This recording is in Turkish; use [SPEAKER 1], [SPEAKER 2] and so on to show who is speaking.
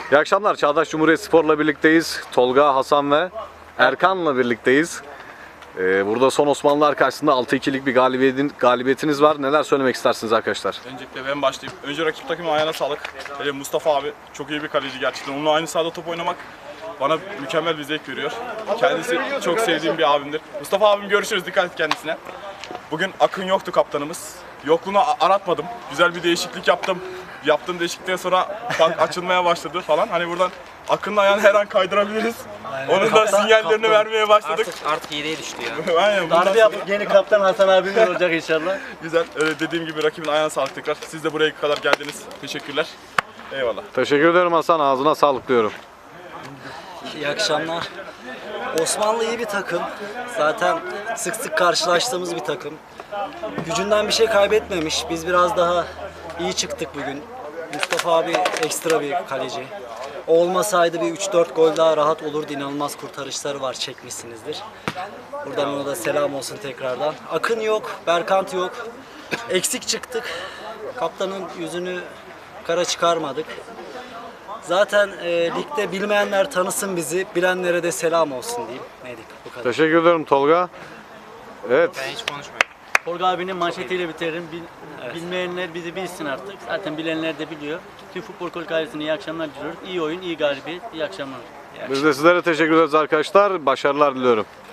[SPEAKER 1] İyi akşamlar. Çağdaş Cumhuriyet Spor'la birlikteyiz. Tolga, Hasan ve Erkan'la birlikteyiz. Burada son Osmanlılar karşısında 6-2'lik bir galibiyetiniz var. Neler söylemek istersiniz arkadaşlar?
[SPEAKER 2] Öncelikle ben başlayayım. Önce rakip takımın ayağına sağlık. Hele Mustafa abi çok iyi bir kaleci gerçekten. Onunla aynı sahada top oynamak bana mükemmel bir zevk veriyor. Kendisi çok sevdiğim bir abimdir. Mustafa abim, görüşürüz. Dikkat et kendisine. Bugün Akın yoktu, kaptanımız. Yokluğunu aratmadım. Güzel bir değişiklik yaptım. Yaptığım değişiklikten sonra bank açılmaya başladı falan. Hani buradan Akın'ın ayağını her an kaydırabiliriz. Aynen. Onun da sinyallerini vermeye başladık.
[SPEAKER 3] Artık yediye düştü ya.
[SPEAKER 2] Aynen.
[SPEAKER 4] Darbe yapıp yeni kaptan Hasan abimiz olacak inşallah.
[SPEAKER 2] Güzel. Dediğim gibi rakibin ayağına sağlık tekrar. Siz de buraya kadar geldiniz. Teşekkürler. Eyvallah.
[SPEAKER 1] Teşekkür ederim Hasan. Ağzına sağlık diyorum.
[SPEAKER 4] İyi akşamlar. Osmanlı iyi bir takım. Zaten sık sık karşılaştığımız bir takım. Gücünden bir şey kaybetmemiş. Biz biraz daha iyi çıktık bugün. Mustafa abi ekstra bir kaleci. O olmasaydı bir 3-4 gol daha rahat olurdu. İnanılmaz kurtarışları var, çekmişsinizdir. Buradan ona da selam olsun tekrardan. Akın yok, Berkant yok. Eksik çıktık. Kaptanın yüzünü kara çıkarmadık. Zaten ligde bilmeyenler tanısın bizi, bilenlere de selam olsun diyeyim. Neydik bu kadar.
[SPEAKER 1] Teşekkür ederim Tolga. Evet.
[SPEAKER 3] Ben hiç konuşmuyorum.
[SPEAKER 5] Tolga abinin manşetiyle bitiririm. Bilmeyenler bizi bilsin artık. Zaten bilenler de biliyor. Tüm Futbol Kulübü ailesine iyi akşamlar diliyoruz. İyi oyun, iyi galibiyet, iyi akşamlar.
[SPEAKER 1] Biz de sizlere teşekkür ederiz arkadaşlar. Başarılar diliyorum.